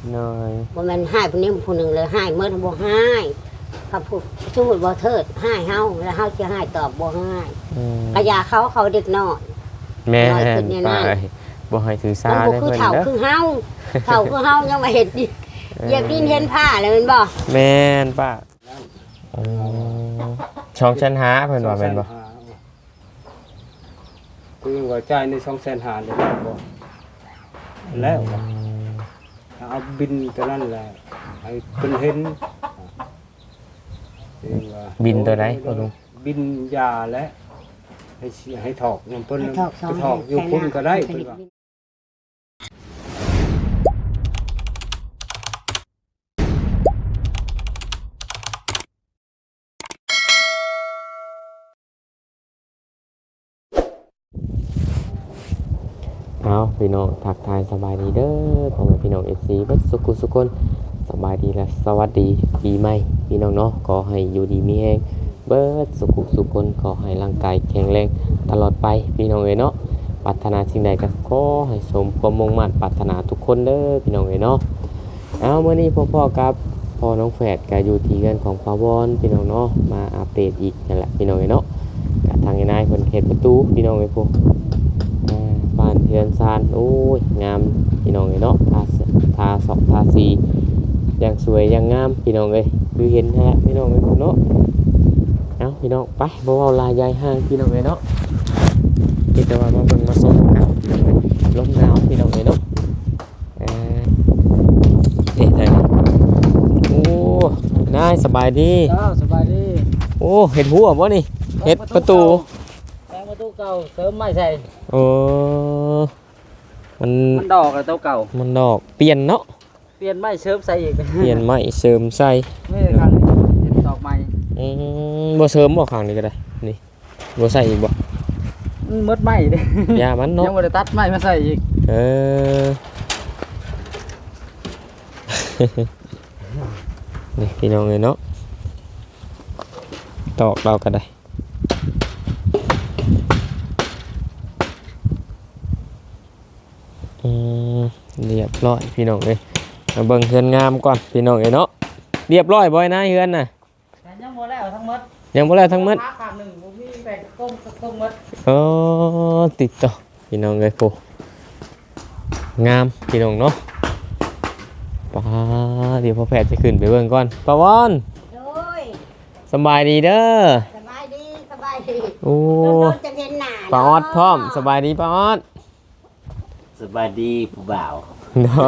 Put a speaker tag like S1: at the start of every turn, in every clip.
S1: น้อย
S2: บ่แม่นให้ผู้นี้ผู้หนึงเลยให้เมื่อบ่ให้เขาพูดสมมุติบ่เทิดให้เฮาแล้วเฮาสิให้ตอบบ่ให้กะยาเขาเด็กน้อย
S1: แม่
S2: น้อยขึ้นเนี่ย
S1: ป้า
S2: นั่น
S1: บ่ให้ถือสา
S2: มันบ่
S1: ได้
S2: คือ
S1: เพิ่น
S2: เฒ่า
S1: เด้อ
S2: คือเฮาเฒ่าคือเฮายังมาเฮ็ดดิเหยียบดินเห็นผ้าแล้วแม่นบ่
S1: แม่นป้าช่องชั้นหาเพิ่นว่าแม่นบ่
S3: คือว่าจ่ายใน250,000ได้แล้วเอาบินตัวนั้นแหละให้เพิ่นเห็น
S1: บินตัวไหนพ่อลุง
S3: บินยาและให้ถอกนำเพิ่นไปถอกอยู่พุ่นก็ได้เพิ่นว่า
S1: เอาพี่น้องทักทายสบายดีเด้อพ่อแม่พี่น้อง FC เบิดสุขุสุคนสบายดีและสวัสดีปีใหม่พี่น้องเนาะขอให้อยู่ดีมีแรงเบิดสุขุสุคนขอให้ร่างกายแข็งแรงตลอดไปพี่น้องเอ้ยเนาะปรารถนาสิ่งใดก็ขอให้สมความมุ่งมั่นปรารถนาทุกคนเด้อพี่น้องเอ้ยเนาะเอามื้อนี้พ่อกับพ่อน้องแฝดก็อยู่ที่เรือนของปาวอนพี่น้องเนาะมาอัปเดตอีกนั่นแหละพี่น้องเอ้ยเนาะก็ทางนายเพิ่นเฮ็ดประตูพี่น้องเอ้ยพวกบ้านเทือนซานโอ้ยงามพี่น้องเอ้ยเนาะทาสอกทาสีอย่างสวยอย่างงามพี่น้องเอ้ยคือเห็นฮะพี่น้องเอ้ยเนาะเอาพี่น้องไปบ่เว้าลายยายห้างพี่น้องเอ้ยเนาะคิดแต่ว่ามาเบิ่งมาส่งกันลมหนาวพี่น้องเอ้ยเนาะได้โอ้นายสบายดี
S4: จ้าสบายดี
S1: โอ้เห็ดหัวบ่นี่เห็ดประตู
S4: แปลงประตูเก่าเสริมไม้ใส่
S1: โอ้มัน
S4: ดอกกับตัวเก่า
S1: มันดอกเปลี่ยนเนาะ
S4: เปลี่ยนไม้เสริมใส่อีก
S1: เปลี่ยนไม้เสริมใส่
S4: ไม่ได้ครั้งนี้เห็นดอกใหม่
S1: บ่เสริมบ่ข้างนี้ก็ได้นี่บ่ใส่อีกบ่
S4: มันมดไม้เด้
S1: ยามันเนาะ
S4: ยังไม่ได้ตัดไม้มาใส่อีก
S1: เออ นี่พี่น้องเลยเนาะตอกเราก็ได้เรียบร้อยพี่น้องเลยมาเบิ่งเฮือนงามก่อนพี่น้องเลยเนาะเรียบร้อยบ่อยนะเฮือนน่ะ
S4: แต่ยังบ่แล้วทั้งหมด
S1: ยังบ่แล้วทั้งหมด
S4: ขาหนึ่งบ่มีแบ่งก้มหมด
S1: อ๋อติดต่อพี่น้องเลยปูงามพี่น้องเนาะป้าเดี๋ยวพ่อแพทย์จะขึ้นไปเบิ่งก่อนป้าวอน
S2: โอ้ย
S1: สบายดีเด้อ
S2: สบายดีสบายดี
S1: โอ้
S2: โดนจะเห็นหน้า
S1: ป้าออดพร้อมสบายดีป้าออด
S5: สบายดีผู้บ่าว
S1: เนาะ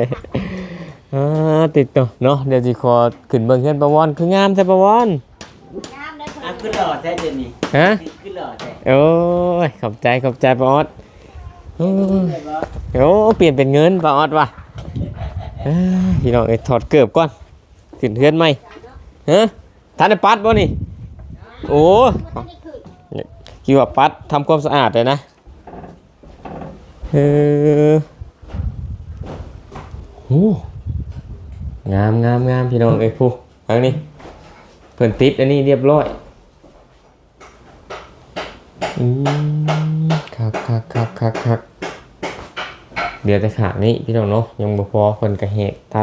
S1: ติดต่อเนาะเดี๋ยวสิขอขึ้นเบิ่งเฮือนป้าวอนคืองามแท้ป้าวอน
S2: งามเลย
S5: อ่ะขึ้นหล่อแท้เดี๋ยวนี้
S1: ฮะ
S5: ขึ้นหล่อแท้
S1: โอ้ยขอบใจป้าออดโอ้ยโอ้เปลี่ยนเป็นเงินป้าออดว่ะพี่น้องเอ้ยถอดเกือบก่อนขึ้นเฮือนใหม่ฮะท่านได้ปัดบ่นี่โอ้คิดว่าปัดทำความสะอาดเลยนะโอ้งามพี่น้องเอ้ยผู้ทางนี้เพิ่นติดอันนี้เรียบร้อยคักเดี๋ยวจะขาดนี้พี่น้องเนาะยังบ่พอเพิ่นกระแหกตัด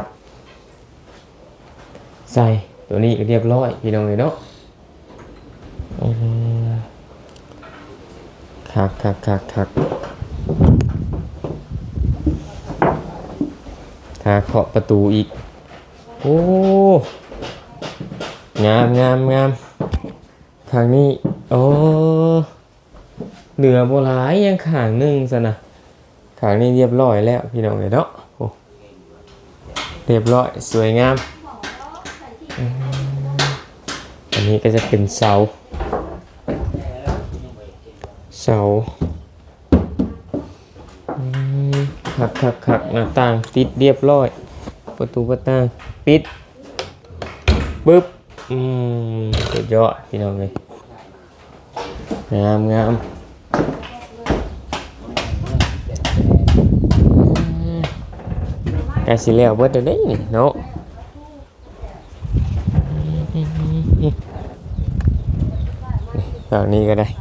S1: ใส่ตัวนี้เรียบร้อยพี่น้องเลยเนาะคักถ้าเคาะประตูอีกโอ้งามทางนี้โอ้เหลือโบราณยังข้างหนึงซะนะข้างนี้เรียบร้อยแล้วพี่น้องเลยเนาะโอ้เรียบร้อยสวยงามอันนี้ก็จะเป็นเสาคักหน้าต่างติดเรียบร้อยประตูประต่างปิดปึ๊บสุดยอดพี่น้องเลยงามใกล้สิแล้วเบิดเดี๋ยวนี้นี่เนาะแบบนี้ก็ได้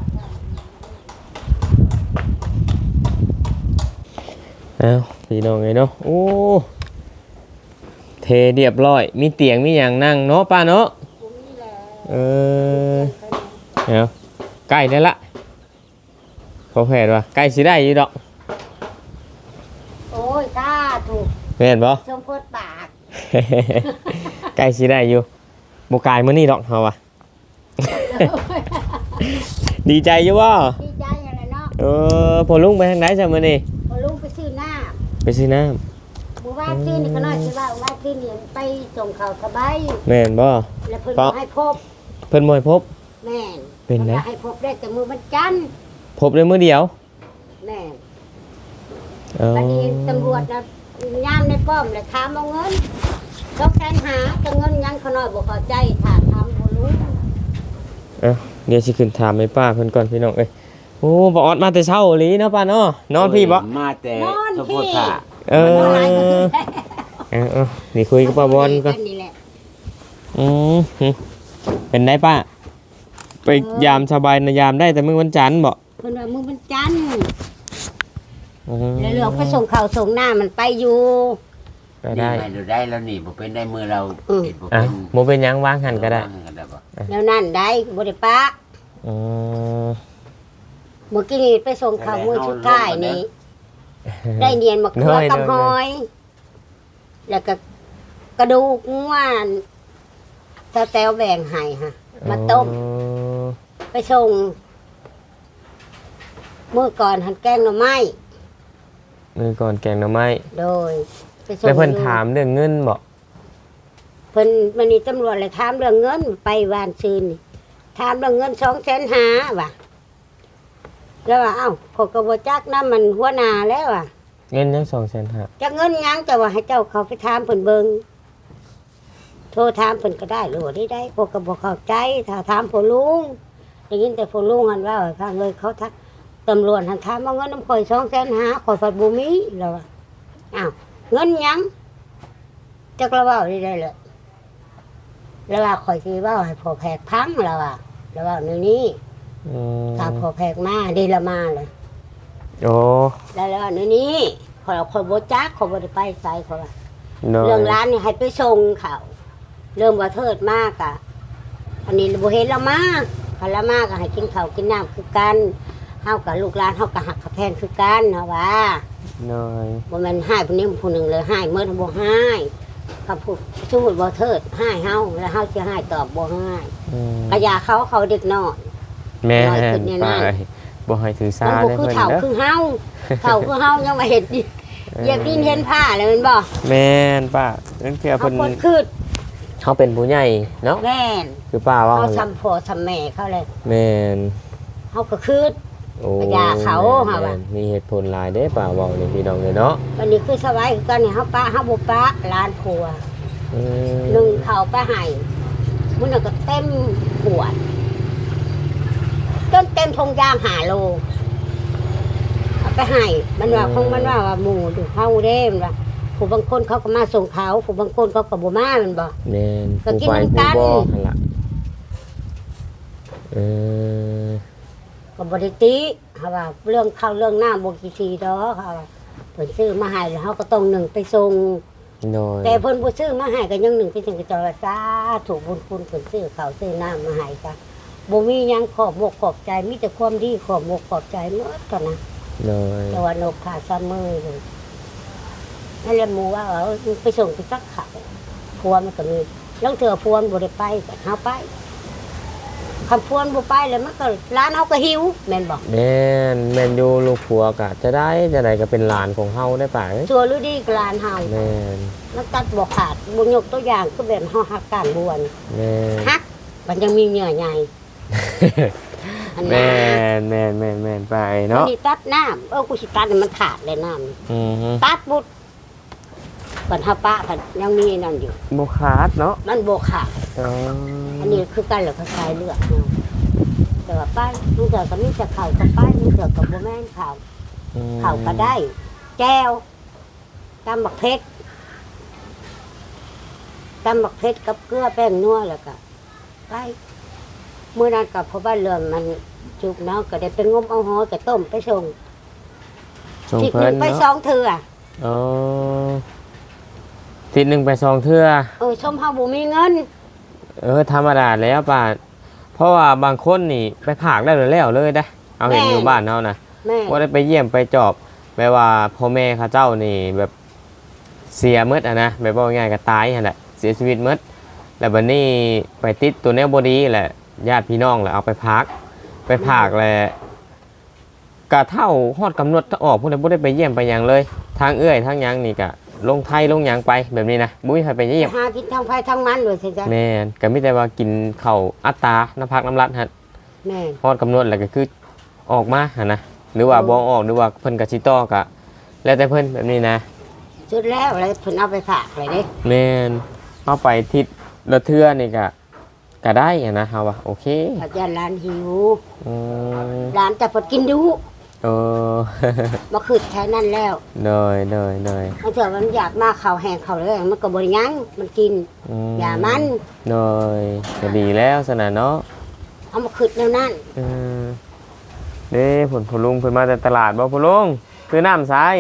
S1: เอาพี่น้องไงเนาะโอ้เทเรียบร้อยมีเตียงมีหยังนั่งเนาะป้าเนาะ
S2: บ่มีแล้ว
S1: เออเอาใกล้ได้ละพอแผดว่าใกล้สิได้อยู่ดอก
S2: โอ้ยตาถูก
S1: แม่นบ่
S2: ชมโพดปาก
S1: ใกล้สิได้อยู่บ่กายมื้อนี้ดอกเฮาว่ะ ดีใจอยู่บ่
S2: ดีใจอะไรเนาะ
S1: เออพอลุงไปทางไหนจ้ะมื้อนี้
S2: พอลุงไปซื้อน้
S1: ไปซื้อน้ำ
S2: ำหมู่บ้านซื้อนี่ก็น้อยสิว่าว่าซื้อนี่ไปส่งเขาสบาย
S1: แม่นบ่
S2: แล้วเพิ่นบ่ให้พบ
S1: เพิ่นบ่ให้พบ
S2: แม่น
S1: เป็นไง
S2: พิ่ว่าให้พบได้แต่มือมันจันทร์
S1: พบได้มื้อเดียว
S2: แม่น
S1: เออ
S2: วันนี้ตำรวจนะยามในป้อมเลยถามเอาเงินต้องแสนหาแต่เงินยังเขาน้อยบ่เข้าใจถามบ่รู้
S1: เดี๋ยวสิขึ้นถามให้ป้าเพิ่นก่อนพี่น้องเอ้ยโอ้บ่ออดมาแต่เช้าอีหลีเนาะป้าเนาะนอนพี่บ่
S5: มาแต่
S2: นอน
S5: สม
S2: พี่
S5: โพธิผ่า
S1: เออ
S2: มันหลายก็คือได้
S1: เออนี่คุยกับป้าบอลก่อน
S2: นี่แหละ
S1: อืมเป็นได้ป้า ไปยามสบายนะยามได้แต่มื้อวันจันทร์บ่
S2: เพิ่นว่ามือมันจันทร์แล้วเหลืองไปส่งข้าวส่งน้ามันไปอยู่
S1: ก็ได้
S5: นี่ดูได้แล้วนี่บ่เป็นได้มือเราเห็นบ่
S1: อ่ะ
S5: เป็น
S1: บ่เป็นหยังวางหันก็ได้
S5: บ่
S2: แล้วนั่นได้บ่ได้ปะ
S1: อืม
S2: เมื่อกี้นี่ไปส่งข้าวมื้อสุดท้ายนี่ได้เนียนมะเขือกับหอย แล้วก็กระดูกง่วนตาแต้วแบ่งให้ค่ะมาต้ม ไปส่งเมื่อก่อนหันแกงหน่อไม้
S1: มื้อก่อนแกงหน่อไม้
S2: โดยไปส่ง
S1: แล้วเพิ่นถามเรื่องเงินบ่
S2: เพิ่นมันนี่ตำรวจเลยถามเรื่องเงินไปวานซืนนี่ถามเรื่องเงิน250,000ว่ะแล้วว่าเอ้าขอยก็บ่จักนำมันหัวหน้าแล้วว่ะ
S1: เงินยัง250,000
S2: จักเงินหยังจะว่าให้เจ้าเขาไปถามเพิ่นเบิ่งโทรถามเพิ่นก็ได้หรือว่าได้พวกก็บ่เข้าใจถ้าถามพ่อลุงได้ยินแต่พ่อลุงหันว่าให้ฟังเลยเขาทักตำรวจหันถามเอาเงินน้ำข่อย250,000ข่อยฝัดบ่มีแล้วว่าอ้าวเงินหยังจักละเว้าได้เลยแล้วว่าข่อยสิเว้าให้พ่อแพกพังแล้วว่าแล้วว่าในนี้
S1: อืม
S2: ถ้าพ่อแพกมาได้ละมาเลย
S1: โอ้
S2: แล้วในนี้ข่อยบ่จักข่อยบ่ได้ไปไสข่อยว่า
S1: น้อย
S2: เรื่องร้านนี่ให้ไปส่งเขาเริ่มว่าเทิดมากอ่ะอันนี้บ่เห็นละมาคันละมาก็ให้กินข้าวกินน้ำคือกันเฮากับลูกหลานเฮาก็หักกับแพงคือกันเนาะว่า
S1: น้อย
S2: บ่แม่นให้ผู้นี้ผู้หนึงเลยให้เมื่อบ่ให้คำพูดสมมุติบ่เทิดให้เฮาแล้วเฮาสิให้ตอบบ่ให้
S1: อืม
S2: ก็อย่าเขาเด็กน้อย
S1: แม่
S2: น้อยขึ้นเนี่ยนะ
S1: ป้าบ่ให้ถือสา
S2: มันบ่
S1: ได้
S2: คือ
S1: เพิ่น
S2: เฒ่า
S1: เด้อ
S2: คือเฮาเฒ่าคือเฮายังมาเฮ็ดดิเหยียบดินเห็นผ้าเลยแม่นบ่
S1: แม่นป้านั่นคือ
S2: เฮา
S1: เพิ่น
S2: คนคือ
S1: เขาเป็นผู้ใหญ่เนาะ
S2: แม่น
S1: คือป้าว่า
S2: เฮา
S1: หั่นแหละ
S2: ซ้ำพ่อซ้ำแม่เขาเลย
S1: แม่น
S2: เฮาก็คือ
S1: โอ้
S2: ปัญญาเขา
S1: แม่น
S2: หาว่า
S1: มีเหตุผลหลายเด้ป้าเว้านี่พี่น้องเลยเนาะ
S2: วันนี้คือสบายคือกันนี่เฮาปะเฮาบ่ปะร้านผัว
S1: อืม
S2: นึ่งข้าวไปให้มื้อนั้นก็เต็มขวดจนเต็มทงยาง5 โลเอาไปให้มันว่าคงมันว่าหมู่อยู่เฮาเด้มันว่าผู้บางคนเขาก็มาส่งเขาผู้บางคนเขาก็บ่มามันบ่
S1: แม่น
S2: ก็
S1: ผู้
S2: กิน
S1: ไป
S2: น้ำ
S1: ผู้
S2: กัน
S1: บ่หั่นล่ะเออ
S2: ก็บ่ได้ติเฮาว่าเรื่องข้าวเรื่องน้ำบ่กี่ทีดอกเฮาว่าเพิ่นซื้อมาให้แล้วเฮาก็ต้องนึ่งไปส่ง
S1: น้อย
S2: แต่เพิ่นบ่ซื้อมาให้ก็ยังหนึ่งไปถึงกระจรสาถูกบุญคุณเพิ่นซื้อข้าวซื้อน้ำมาให้จ้ะบ่มีหยังขอบอกขอบใจมีแต่ความดีขอบอกขอบใจหมดกันนะ
S1: น้อย
S2: แต่ว่านกขาซ้ำมือเลยนั่นแหละหมู่ว่าไปส่งไปซักข้าวพัวมันก็มีลางเทื่อพัวมันบ่ได้ไปก็เฮาไปคำพวนบ่ไปแล้วมันก็ร้านเฮาก็หิวแม่นบ่
S1: แม่นอยู่ลูกผัวก็จะได้ก็เป็นหลานของเฮาได้ป่ะเอ้ย
S2: ชัวหรือดีกับร้านเฮา
S1: แม่น
S2: มันตัดบ่ขาดบ่ยกตัวอย่างคือแบบเฮาหักการบวน
S1: แม่น
S2: ฮักมันยังมีเหงื่อใหญ่อัน
S1: แม่
S2: นั้น
S1: แม่นไป
S2: อัน
S1: เนาะ
S2: นี้ตัดน้ำกูสิตัดให้มันขาดเลยน้ำ
S1: อือฮึ
S2: ตัดบุดปัญหาปะผันยังมีนั่นอยู่
S1: บ่ขาดเนาะ
S2: มันโบขาด
S1: อ๋อ
S2: อันนี้คือกันเหลือคล้ายๆเลือดเนาะแต่ว่าป้ายลูกเสือก็มีแต่เข่ากับป้ายลูกเสือกับโบแม่นเข่า
S1: อืม
S2: เข่าก็ได้ แก้วตำบักเพชรตำบักเพชรกับเกลือแป้งนัวแล้วก็ไปเมื่อนั้นกับพ่อบ้านเรือนมันจุกเนาะก็ได้เป็นงมเอาหอยกับต้มไปส่ง
S1: ส่ง
S2: ทิศห
S1: เพิ่
S2: นึ่
S1: น
S2: งไป
S1: เนาะ
S2: 2 เทื่อ
S1: อ๋อทิศหนึงไป2เทื่อ
S2: ชมเฮาบ่มีเงิน
S1: ธรรมดาแล้วป่ะเพราะว่าบางคนนี่ไปผากได้แล้วเลยได้เอาเห็นอยู่บ้านเฮานะ
S2: แม่
S1: ว่าได้ไปเยี่ยมไปจอบแม้ว่าพ่อแม่เขาเจ้านี่แบบเสียหมดอะนะแบบว่าง่ายก็ตายหั่นแหละเสียชีวิตหมดแล้วบัดนี้ไปติดตัวแนวบ่ดีแหละญาติพี่น้องแหละเอาไปพักแหละกะเท่าฮอดกำหนดถ้าออกพวกนั้นบ่ได้ไปเยี่ยมไปหยังเลยทางเอื้อยทางหยังนี่ก็ลงไทยลงหยังไปแบบนี้นะบ่มีใครไปเยี่ยม
S2: หากินทางไผทางมันด้วยสิจ๊ะ
S1: แม่นก็มีแต่ว่ากินข้าวอัตราน้ำพักน้ำรัดฮะ
S2: แม่
S1: ฮอดกำหนดแล้วก็คือออกมาหั่นนะหรือว่าบ่ออกหรือว่าเพิ่นก็สิต่อก็แล้วแต่เพิ่นแบบนี้นะ
S2: สุดแล้วอะไรเพิ่นเอาไปฝากเลยเด้
S1: แม่นเอาไปทิศละเทื่อนี่ก็ได้อะนะเฮาว่าโอเค
S2: อาจารย์ร้านหิว
S1: อืม
S2: ร้านจะเพิ่นกินดู
S1: โอ้
S2: บ่ขึ้นแค่นั้นแล้ว
S1: เนย
S2: บางเทื่อมันอยากมาข้าวแห้งข้าวเลยมันก็บ่ได้หยังมันกิน
S1: อืม
S2: อย่ามัน
S1: เนยก็ดีแล้วสนะเนาะ
S2: เอามาขึ้นแล้วนั่น
S1: อืมเด้ผลลุงเพิ่นมาแต่ตลาดบ่ผลลุงซื้อน้ำสาย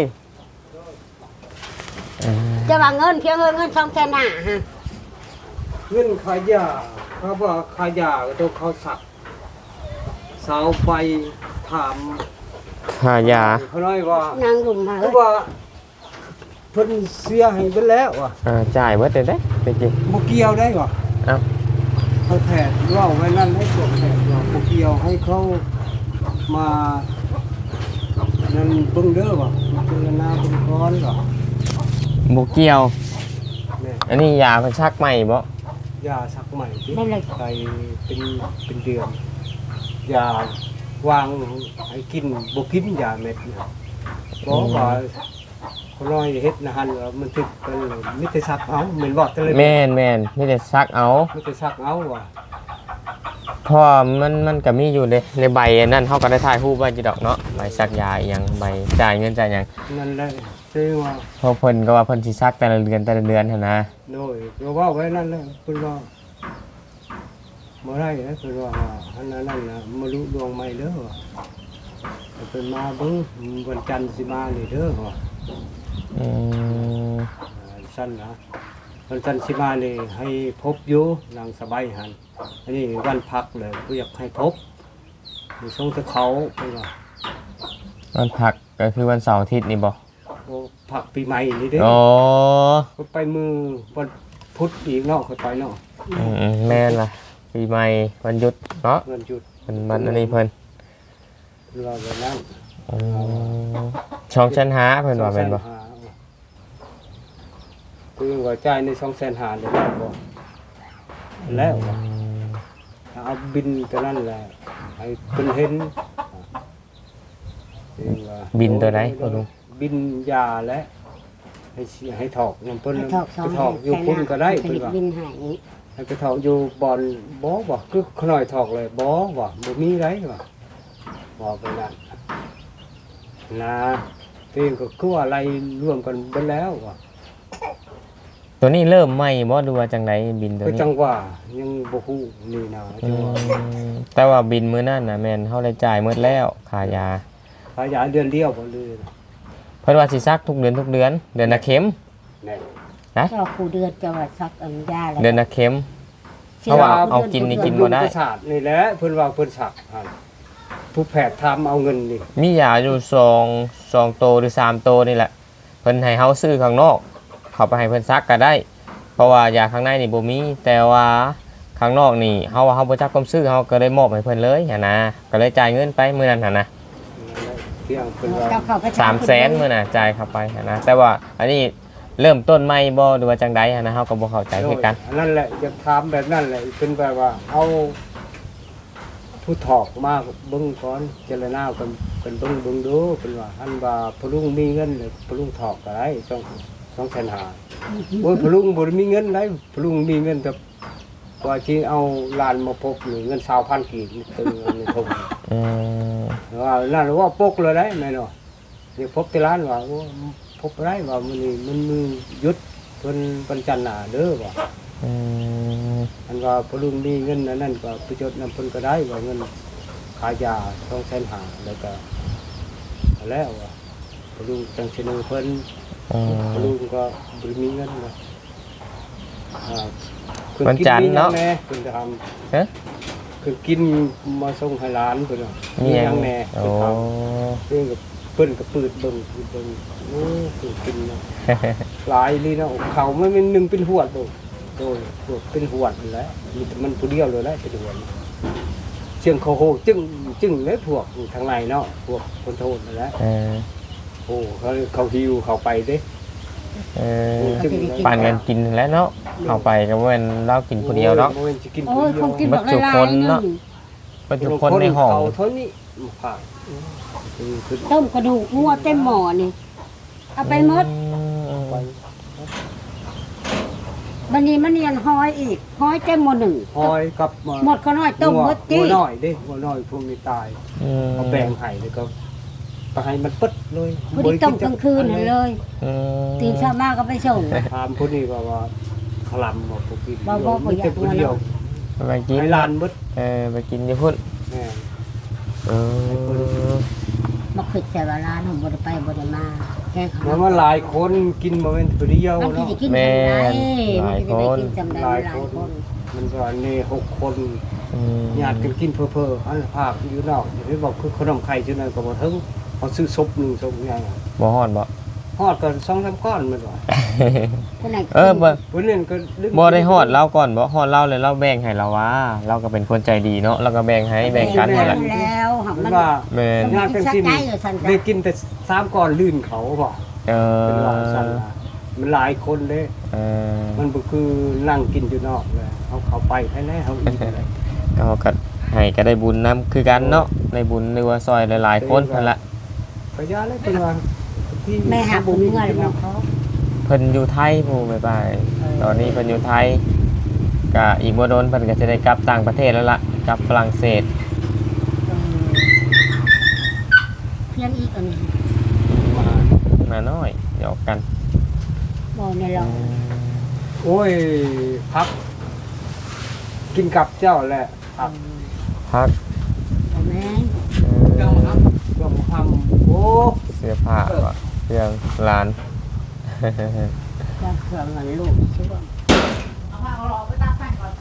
S2: จะว่าเงินเพียงเงิน2แสนห้าฮะ
S3: เงินขายยาเขาว่าขายยาก็ต้องเขาสักสาวไปถาม
S1: ค่ายา
S3: เขาน้อยว่าน
S2: างลุมมา
S3: เขาว่าเพิ่นเสียให้ไปแล้วว่ะ
S1: จ่ายเบิดได้เด้ไปกิน
S3: บ่เกี่ยวได้ว่ะ
S1: เอ้า
S3: เขาแทนว่าไว้นั่นให้พวกแทนว่าบ่เกี่ยวให้เขามานั่นเบิ่งเด้อว่ะเบิ่งหน้าเบิ่งก้อนว่ะ
S1: บ่เกี่ยว
S3: แม่
S1: อันนี้ยาเพิ่นชักใหม่บ่
S3: ยาสักใหม่ที่
S2: นั่นเลย
S3: ไปเป็นเดือนยาวางให้กินบ่กินยาเม็ดเนี่ยบอกว่าคนน้อยเฮ็ดนะฮันว่ามันถึกกันมิแต่ซักเอาเหมือนบอกแต่เลย
S1: แม่นมีแต่ซักเอา
S3: มิแต่ซักเอาว่ะ
S1: เพราะว่ามันก็มีอยู่ในใบอันนั้นเขาก็ได้ถ่ายรูปไว้จีดอกเนาะใบซักยาอหยังใบจ่ายเงินจ่ายหยัง
S3: นั่นแหละซึ่งว่า
S1: เพราะเพิ่นก็ว่าเพิ่นสิซักแต่ละเดือนหั่นนะ
S3: โดยก็ว่าไว้นั่นแหละเพิ่นว่าบ่ได้นะเพิ่นว่าอันนั้นน่ะมารู้ดวงใหม่เด้อว่ะเพิ่นมาเบิ่งวันจันทร์สิมานี่เด้อว่ะ
S1: อืม
S3: สั้นนะวันจันทร์สิมานี่ให้พบอยู่นางสบายหันอันนี้วันพักเลยก็อยากให้พบมีทรงตะเขาเพิ่นว่า
S1: วันพักก็คือวันเสาร์อาทิตย์นี่บ่
S3: โอ้พักปีใหม่นี่เด้อ
S1: อ๋อ
S3: ก็ไปมือวันพุธอีกเนาะค่อยไปเนาะ
S1: แม่นล่ะปีใหม่วันหยุดเนาะ
S3: วันหยุด
S1: มันอันนี้เพิ่น
S3: รอแบบนั้น
S1: อืมช่องชั้นหาเพิ่นว่าแม่นบ่
S3: คือว่าจ่ายใน250,000ได้แล้วบ่แล้วว่ะเอาบินตัวนั้นแหละให้เพิ่นเห็นว่า
S1: บินตัวไหนพ่อลุง
S3: บินยาและให้ถอกน้ำเพิ่น
S2: ให้ถอกสอง
S3: ไปถอกอยู่พุ่นก็ได้
S2: ผ
S3: เพิ่น
S2: ลิต
S3: ว่า
S2: บินให้
S3: ให้ไปถอกอยู่บอนบ่คือขน่อยถอกเลยบ่มีไรว่ะบ่ไปนั่นนะตัวเองก็คือว่าอะไรร่วมกันเบิดแล้วว่ะ
S1: ตัวนี้เริ่มใหม่บ่ดูว่าจังไดบินตัว
S3: ก็
S1: นี้
S3: จังว่ายังบ่ฮู้นี่นะ
S1: อื
S3: จังว่าม
S1: แต่ว่าบินมื้อนั้นน่ะแม่นเฮาได้จ่ายหมดแล้วค่ายา
S3: ขายยาเดือนเดียวบ่เลย
S1: เพิ่นว่าสิซักทุกเดือนเดือนละเข็ม
S3: แน่
S2: เจ้าครูเดือนจะว่าซักอันยาอะไร
S1: เดือนละเข็ม เพราะว่าเอากินนี่กิน บ่ได้
S3: ประสาทนี่แหละเพิ่นว่าเพิ่นสักหั่นผู้แพทย์ทำเอาเงินนี่
S1: มียาอยู่2โตหรือ3โตนี่แหละเพิ่นให้เฮาซื้อข้างนอก เข้าไปให้เพิ่นซักก็ได้ เพราะว่ายาข้างในนี่บ่มีแต่ว่าข้างนอกนี่เฮาว่าเฮาบ่จักความซื้อเฮาก็เลยมอบให้เพิ่นเลยหั่นนะก็เลยจ่ายเงินไปมื้อนั้นหั่นนะ
S3: เที่ยงเพิ่นว่า
S2: เจ้าเข้าไป
S1: 300,000มื้อน่ะจ่ายเข้าไปหั่นนะแต่ว่าอันนี้เริ่มต้นใหม่บ่หรือว่าจังใดหั่นนะเฮาก็บ่เข้าใจคือกัน
S3: อันนั้นแหละจะถามแบบนั้นแหละเป็นแบบว่าเอาผู้ถอกมาเบิ่งก่อนเจรณากันเป็นเบิ่งดูเป็นว่าอันว่าพลุงมีเงินเลยพลุงถอกก็ได้2,500,000โอ้ยพลุงบ่ได้มีเงินได้พลุงมีเงินแต่ว่าที่เอาลานมาพบนี่เงิน20,000กีบนี่ตึงในทง
S1: อืม
S3: ว่านั่นว่าปกเลยได้แม่เนาะเดี๋ยวพบที่ร้านว่าโอ้พบได้ว่ามื้อนี้มันมือหยุดเพิ่นวันจันทร์หน้าเด้อว่า
S1: อืม
S3: อันว่าพลุงมีเงินอันนั้นก็ไปจดนำเพิ่นก็ได้ว่าเงินขายยา250,000แล้วก็แล้วว่าพลุงจังสิหนึงเพิ่น
S1: อืม
S3: พลุงก็บ่ได้มีเงินว่าอ่า
S1: วันจันทร์เนาะ
S3: คุณท
S1: ฮะ
S3: ำคือกินมาส่งให้ร้านเพิ่น
S1: มีหยัง
S3: แน่
S1: โอ้
S3: เพิ่นกับเพิ่นกับปืดเบิ่งโอ้คือกินเนาะหลายนี่เนาะเขามันเป็นหนึงเป็นหวดโดยหวดเป็นหวดนั่นแหละมีแต่มันผู้เดียวเลยแหละเป็นหวดเสียงเขาโหจึ้งเลยพวกทางในเนาะพวกคนโทษนั่นแหละ
S1: เออ
S3: โอ้เขาหิวเขาไปเด้
S1: เออปั่นกันกินแล้วเนาะเอาไปก็เว้นเรากินคนเดียวเนาะ
S3: โอ้ยสิกิน
S2: โอ้
S3: ผู้
S2: ย
S3: เดี
S2: ค
S3: ยว
S2: งกิน
S1: บั
S2: บั
S1: ด
S2: ก
S1: จุ
S2: ละ
S1: ค
S2: ลาย
S1: น
S2: นึ
S1: เนาะ
S2: ง
S1: เป็นทุกคนในห้อง
S3: เขาเท่านี้ผักคือ
S2: ต้มกระดูกงัวเต็มหม้อนี่เอาไปหมด
S3: ไป
S2: บัดนี้มันเนียนห้อยอีกห้อยเต็มหม้อหนึ่ง
S3: หอยกับ
S2: หมดก็น้อยต้มหมด
S3: หั
S2: จี้
S3: วน้อยเด้หัวน้อยพวกนี้ตายเอาแบ่งให้แล้วก็ไปให้มันปึ๊ดเลย
S2: พอดีต้มกลางคืนนั่นเลย ตื่นเช้ามาก็ไปส่ง
S3: ถามคนนี้ว่าขลำบอกพวกกิน
S2: บ่บ่อยาก
S3: คนเดียว
S1: ไปกิน
S3: ให้ลานปึ๊ด
S1: ไปกินอยู่พุ่น
S3: แม่
S1: เออ
S2: มาขึ้นแต่ว่าร้านผมบ่ได้ไปบ่ได้มาแค่เขา
S3: แล้วมาหลายคนกินมาเป็นคนเดียว
S2: มันสิ
S3: เนาะ
S2: ได้กินจำได้มันสิได้กินจำได้
S3: หลาย
S2: หลาย
S3: คน
S2: คน
S3: มันก็นี่6 คน
S1: อืม
S3: ญาติกันกินเพ้อๆอันภาคอยู่นอกที่บอกคือขนมไข่จุนั้นก็บ่ถึงเขาซื้อซุปหนึงซุปใหญ่
S1: บ่ฮอดบ่
S3: ฮอดก็2-3ก้อนมันว่า
S2: คนไหน
S1: เออบ่
S3: วันนี้ก็ลึก
S1: บ่ได้ฮอดเราก่อนบ่ฮอดเราเลยเราแบ่งให้เราว่าเราก็เป็นคนใจดีเนาะเราก็แบ่งให้แบ่งกันนั่นแหละ
S2: แล้วหำ
S3: มั
S2: มัน น
S3: ว่า
S1: แม่น
S3: ญาติกันกิน
S2: ใจอยู่ซั่นจ้ะ
S3: ได้กินแต่3ก้อนลื่นเขาบ่
S1: เอ
S3: เป็นว่า
S1: อ
S3: ซั่นล่ะมันหลายคนเด้
S1: เออ
S3: มันบ่คือนั่งกินอยู่นอกเลยเขาเข้าไปแท้ๆเขาอีกเลย
S1: ก็ให้ก็ได้บุญนํคือกันเนาะได้บุญหรือว่าซอยหลายๆคนนั่นแหละ
S3: ก็ยาเลยเป็นว่าที่
S2: แม่หาบุญเงินบ่เขา
S1: เพิ่นอยู่ไทยผู้บ๊ายบายตอนนี้เพิ่นอยู่ไทยก็อีกบ่โดนเพิ่นก็จะได้กลับต่างประเทศแล้วล่ะกลับฝรั่งเศส
S2: เพียงอีกอันนี้
S1: มาน้อยหยอกกัน
S2: บ่ในเรา
S3: โอ้ยพัก กินกับเจ้าแหละพัก
S1: พัก
S2: บ่แม่น
S3: เจ้าทำโอ้
S1: เสื้อผ้าว่ะเครื่องร้าน
S2: ก็เครื่องเงินลูกชื่อว่า
S4: เอาผ้าเอาหลอกไปตากแป้งก่อน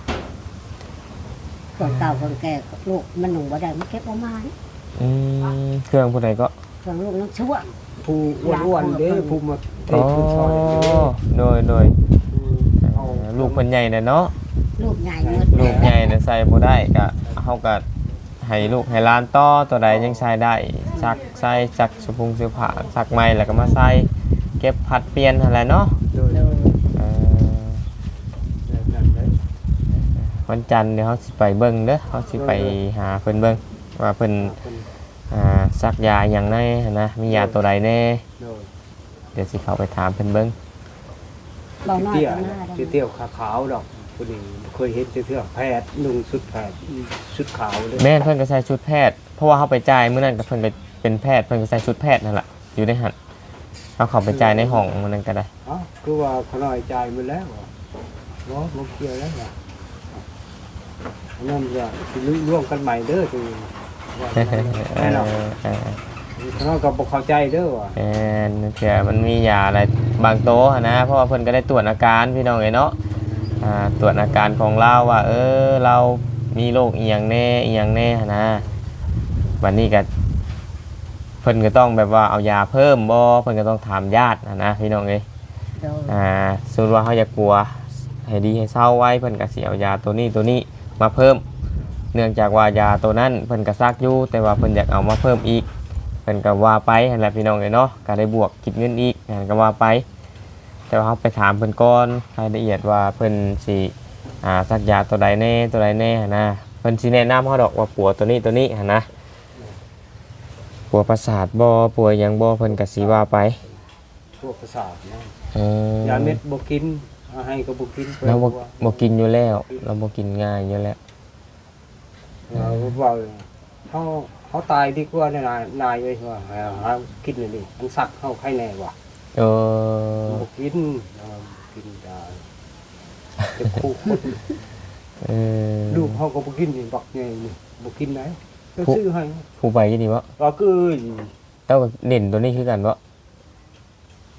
S2: คนเก่าคนแก่ลูกมันหนุ่มบ่ได้มันเก็บเอามานี่
S1: เครื่องผู้ใดก็
S2: เครื่องลูกนักชั่ว
S3: ผู้อ้วนๆเด้ผู้มาเท
S1: อ๋อ
S3: ผู้ซอยเด้
S1: โดย
S3: เอา
S1: ลูกเพิ่นใหญ่น่ะเนาะ
S2: ลูกใหญ่เงิน
S1: ลูกใหญ่น่ะใส่บ่ได้ก็เฮาก็ให้ลูกให้หลานต่อตัวใดยังใช้ได้ซักใส่ซักสุพุงเสื้อผ้าซักใหม่แล้วก็มาใส่เก็บผัดเปลี่ยนนั่นแหละเนาะ
S3: โดย
S2: โดย
S1: เอ่อ
S3: นั่นเลย
S1: วันจันทร์เดี๋ยวเฮาสิไปเบิ่งเด้อเฮาสิไปหาเพิ่นเบิ่งว่าเพิ่นซักยาหยังแน่หั้นนะมียาตัวใดแน่
S3: โดย
S1: เดี๋ยวสิเข้าไปถามเพิ่นเบิ่ง
S2: เบาน้อย
S3: เตี้ย
S2: ก็หน้าได้
S3: เตี้ยขาวๆดอกคนนี้เคยเห็นเตี้ยแพทย์นุ่งชุดแพทย์ชุดขาวเลย
S1: แม่นเพิ่นก็ใส่ชุดแพทย์เพราะว่าเฮาไปจ่ายมื้อนั้นก็เพิ่นก็เป็นแพทย์เพิ่นก็ใส่ชุดแพทย์นั่นล่ะอยู่ในหันเอาเข้าไปจ่ายในห้องมื้อนั้นก็ได้
S3: อ๋อคือว่าเขาน้อยใจมันแล้วเหรอบ่เกี่ยวแล้วเหรอนั่นก็สิร่วมกันใหม่เด้อคือว่าแน่นอนเขาน้อยก็บ่เข้าใจเด้อว่ะ
S1: แอนเผื่อมันมียาอะไรบางโต๊ะนะเพราะว่าเพิ่นก็ได้ตรวจอาการพี่น้องเอ้ยเนาะตรวจอาการของเราว่าเรามีโรคอีหยังแน่อีหยังแน่นะวันนี้ก็เพิ่นก็ต้องแบบว่าเอายาเพิ่มบ่เพิ่นก็ต้องถามญาตินะพี่น้องเอ้ย
S2: โดย
S1: สมมุติว่าเขาอยากกลัวให้ดีให้เศร้าไว้เพิ่นก็สิเอายาตัวนี้มาเพิ่ม เนื่องจากว่ายาตัวนั้นเพิ่นก็ซักอยู่แต่ว่าเพิ่นอยากเอามาเพิ่มอีกเพิ่นก็ว่าไปนั่นแหละพี่น้องเอ้ยเนาะก็ได้บวกคิดเงินอีกนั่นก็ว่าไป แต่ว่าเราไปถามเพิ่นก่อนรายละเอียดว่าเพิ่นสิซักยาตัวใดแน่หั้นนะเพิ่นสิแนะนำเฮาดอกว่าปัวตัวนี้หั่นนะปัวประสาทบ่ปัวหยังบ่เพิ่นก็สิว่าไป
S3: พวกประสาทนะ
S1: ย
S3: าเม็ดบ่กินเอาให้ก็บ่กิน
S1: เราบ่กินอยู่แล้วเราบ่กินง่ายอยู่แล้ว
S3: เราว่าเขาตายดีกว่าเนี่ยนายเอ้ยว่าหากินเลยนี่มันสักเฮาใครแน่ว่ะ
S1: เออ
S3: บ่กินกินได้แต่คู่คน
S1: เออ
S3: ลูกเขาก็บ่กินนี่บักใหญ่นี่บ่กินไหนก็ซื้อให้
S1: ผู้ไปยี่ดีบ่
S3: ก็คือ
S1: เจ้าก็เล่นตัวนี้คือกันบ่
S3: ล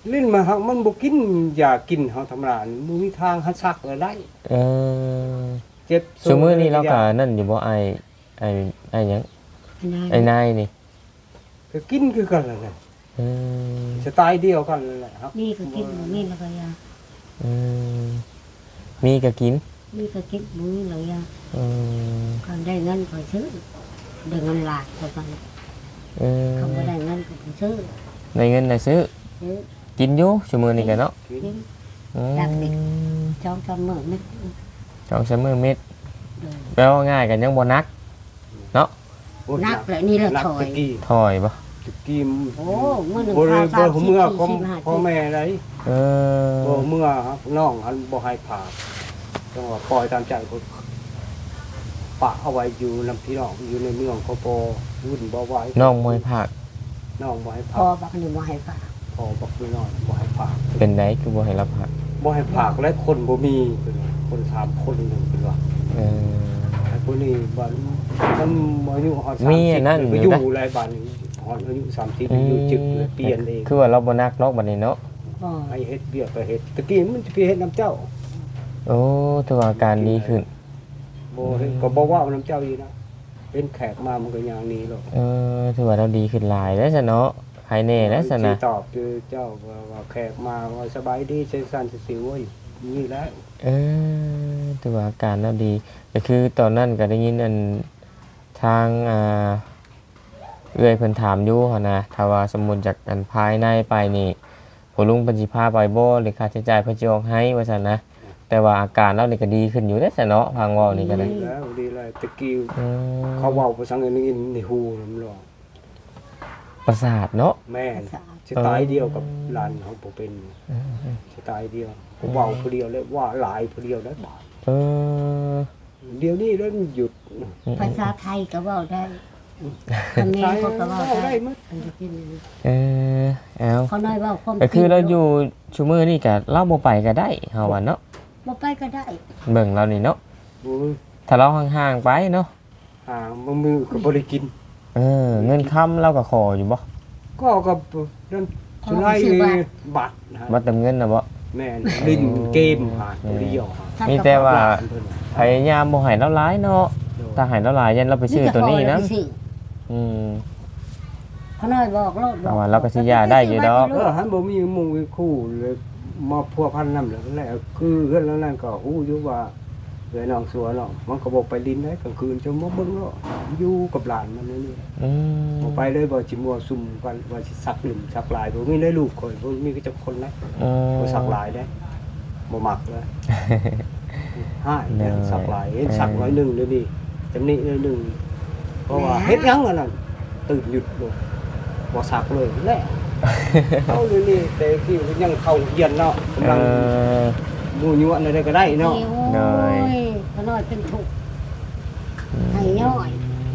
S3: ลิ้นมาหักมันบ่กินยากินเฮาธรรมดานี่บ่มีทางหัดซักเลยได้
S1: เออ
S3: เจ็บ
S1: ซุมื้อนี้เราก็นั่นอยู่บ่ไอ้หยังไอ้นายนี่
S3: ก็กินคือกันนั่นแหละ
S1: เออ
S3: สไตล์เดียวกันนั่นแหละครับ
S2: นี่ก็กินนี่แล้วก็ยา
S1: เออมีก็กิน
S2: นี่ก็กินมื้อแล้วยา
S1: เออ
S2: เขาได้เงินก็ซื้อได้เงินหลากก็กัน
S1: เออ
S2: เขาบ่ได้เงินก็บ่ซื้อ
S1: ในเงินน่ะซื้อ
S2: ซื้อ
S1: กินอยู่ซุมื้อนี้ก็เนาะ
S2: กิน
S1: อืม
S2: ดักดิ จ้องจำมื้อนึก
S1: สองสามมื้อเม็ด
S2: เดิน
S1: แปลว่าง่ายกันยังบ่นัก
S3: โอ้
S2: นักเลยนี่ละ
S3: นัก
S2: ถอย
S3: ตะกี้
S1: ถอยบ่
S3: ตะกี้
S2: โอ้มื้อหนึง
S3: บ่ได้
S2: ข้าว
S3: บ่เมื่อของ
S2: 40
S3: พ่อแม่ได
S1: เออ
S3: บ่เมื่อครับน้องอันบ่ให้ผ่าจังว่าปล่อยตามใจก็ปะเอาไว้อยู่นำพี่น้องอยู่ในเมืองเขาบ่วุ่นบ่ไหว
S1: น้องมวยผัก
S3: น้องบ่ให้
S2: พ
S3: ผ่า
S2: อบักนี่บ่ให้ฝาก
S3: พ่อบอกไม่น้อยบ่ให้ผ่า
S1: เป็นไดคือบ่ให้รับผัก
S3: บ่ให้ผ่าและคนบ่มีเป็นว่าคน3คนนึงเป็นว่า
S1: เออ
S3: ไอ้คนนี้บ้านมันอายุฮอด
S1: มีอันนั้น
S3: ไป
S1: อ
S3: อยู่ ยู่
S1: นะ
S3: หลายบ้านนี่ฮอดอายุ30อยู่จึกเลยเปลี่ยนเอง
S1: คือว่าเราบ่นักเนาะบัดนี้เนาะ
S2: บ่
S3: ให้เฮ็ดเบียกก็เฮ็ดตะกี้มันจะไปเฮ็ดน้ำเจ้า
S1: โอ้ถือว่าอาการดีขึ้น
S3: บ่เฮ็ดก็บ่ว่าน้ำเจ้าอยู่นะเป็นแขกมามันก็อย่างนี้หรอก
S1: เออถือว่าเราดีขึ้นหลายแล้วซะเนาะหายแน่แล้วซะนะ
S3: สิตอบคือเจ้าว่าแขกมาว่าสบายดีเซซันสิวอยู่นี่แหละ
S1: เออถือว่าอาการเราดีก็คือตอนนั้นก็ได้ยินอันทางเอื้อยเพิ่นถามอยู่หั่นนะถ้าว่าสมมุติจากอันภายในไปนี่ผู้ลุงเพิ่นสิพาไปบ่หรือค่าใช้จ่ายเพิ่นสิออกให้ว่าซั่นนะแต่ว่าอาการเรานี่ก็ดีขึ้นอยู่เด้อซะเนาะพังเว้านี่ก็ได้
S3: แล้วดีเลยตะกี้
S1: อืม
S3: เขาเว้าภาษาอังกฤษในหูมันหรอก
S1: ประสาทเนาะ
S3: แม่นสไตล์เดียวกับหลานของผมเป็นสไตล์เดียวผมเว้าผู้เดียวเลยว่าหลายผู้เดียวได้บาท
S1: เออ
S3: เดี๋ยวนี้เริ่มหยุด
S2: ภาษาไทยก็เว้าได้คำนี้ก็เว้าได้
S3: มั้ย
S2: อันนี้กิน
S1: เออเอา
S2: เขาน้อยเว้าความ
S1: ก็คือเราอยู่ชูมือนี่ก็เล่าบ่ไปก็ได้เฮาว่าเนาะ
S2: บ่ไปก็ได้
S1: เบิ่งเรานี่เนาะ
S3: บ่
S1: ถ้าเราห่างๆไปเนาะ
S3: หาบ่มือก็บ่ได้กิน
S1: เงินค้ำเราก็ขออยู่บ่
S3: ก็กับนั่นสุไลบัตรนะ
S1: บ่เติมเงินน่ะบ่
S3: แม่นลิ้นเกมหาตัวเดียวหา
S1: มีแต่ว่า
S3: เพิ่น
S1: พยายามบ่ให้เราหลายเนาะถ้าให้เราหลายยันเราไปซื้อตัวนี้นะอืม
S2: เขาน้อยบอกโลดบ
S1: เอา
S2: อก
S1: ว่าเราก็สิยาได้อยู่ดอก
S3: หันบ่มีหมู่มีคู่เลยมาพัวพันนำแล้วแหละคือเฮือนแล้วนั่นก็ฮู้อยู่ว่าเอ้ยน้องสัวเนาะมันก็บ่ไปลิ้นได้กลางคืนจะมาเบิ่งเนาะอยู่กับหลานมันนี่
S1: อืม
S3: บ่ไปเลยบ่สิมัวซุ่มกันว่าสิสักหลุมสักหลายบ่มีได้ลูกข่อยบ่มีก็จักคนนะ
S1: อืม
S3: บ่สักหลายได้บ่มักเลยห้าเนี่ยสักหลายเห็นสักร้อยหนึงเดี๋ยวนี้จำนี้ร้อยหนึงเพราะว่าเฮ็ดหยังอันนั้นตื่นหยุดเลยบ่สักเลยแหละเอาเลยนี่แต่ที่ยังเข้าเรียนเนาะกำ
S1: เอ
S3: ลัง
S1: อ
S3: หมู่ยั่วอะไรก็ได้เนาะ
S2: โอ้ยเขาน้อยเป็นทุกข์ให้ย่อย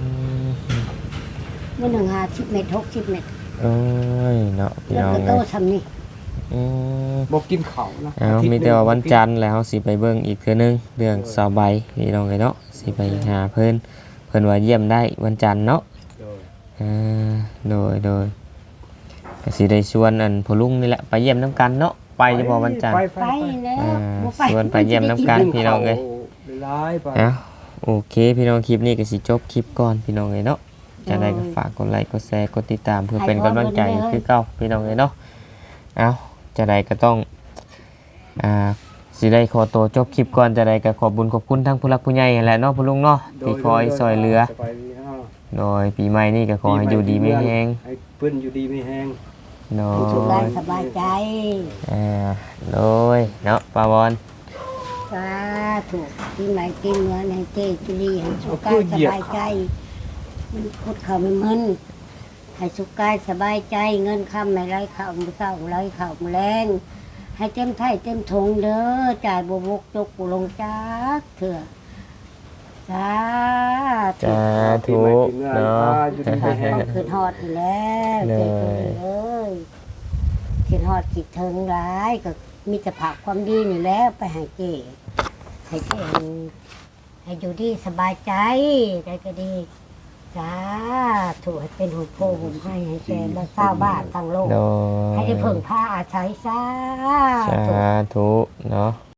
S2: มื้อหนึง50เม็ด60เม็ด
S1: โอ้ยเนาะพี่
S2: แล้ว
S1: น้อง
S2: ก็โต
S1: เอ้ย
S2: ซำนี้
S1: อืม
S3: บ่กินข้าวนะ
S1: เอามีแต่ว่าวันจันทร์แล้วสิไปเบิ่งอีกเทื่อนึงเรื่องสาวใบพี่น้องเอ้ยเนาะสิไปหาเพิ่นว่าเยี่ยมได้วันจันทร์เนาะ อ่าโดยก็สิได้ชวนอันพ่อลุงนี่แหละไปเยี่ยมน้ำกันเนาะไปจะบอกวันจันทร์
S2: ไปแล้ว
S1: อ่า
S2: บ่ไป
S1: ชวนไปเยี่ยมน้ำกัน พี่น้องเอ้ย
S3: หลายไป
S1: เอาโอเคพี่น้องคลิปนี้ก็สิจบคลิปก่อนพี่น้องเอ้ยเนาะจะได้ก็ฝากกดไลค์กดแชร์กดติดตามเพื่อเป็นกำลังใจคือเก่าพี่น้องเอ้ยเนาะเอาจะได้ก็ต้องสิได้ขอตัวจบคลิปก่อนจะได้ก็ขอบคุญขอบคุณทั้งผู้หลักผู้ใหญ่แหละเนาะพ่อลุงเนาะที่คอยซอยเหลือ
S3: สบายดีเนาะ
S1: โดยปีใหม่นี่ก็ขอให้อยู่ดีไม่แห้ง
S3: ให้เพิ่นอยู่ดีไม่แห้ง
S1: โด
S2: สุขกาย
S1: ย
S2: สบายใจ
S1: โดยเนาะปาวอน
S2: สาธุปีใหม่ปีเหนือในเจจุลีให้สุขกายสบายใจมันพุทธเขาไม่มึนให้สุขกายสบายใจเงินคำไม่ไรข่าวมือเศร้าไรข่าวมือแรงให้เต็มไถ่เต็มทงเด้อจ่ายบวกจกบุลงจักเถื่อสาธุ
S1: สาธุเนาะ
S3: อยู่ดีไม่แห้ง
S2: ต้องคืนฮอดอยู่แล้วเจจุลีเอ้ยคืนฮอดคิดถึงร้ายก็มีแต่ผักความดีนี่แหล้วไปให้เจให้เจให้อยู่ดีสบายใจได้ก็ดีจ้าถูกให้เป็นหุ่นโพหุ่นให้แกและชาวบ้านทั้งโลก
S1: โดย
S2: ให้ได้เพิ่งผ้าอาศัยซา
S1: สาธุเนาะ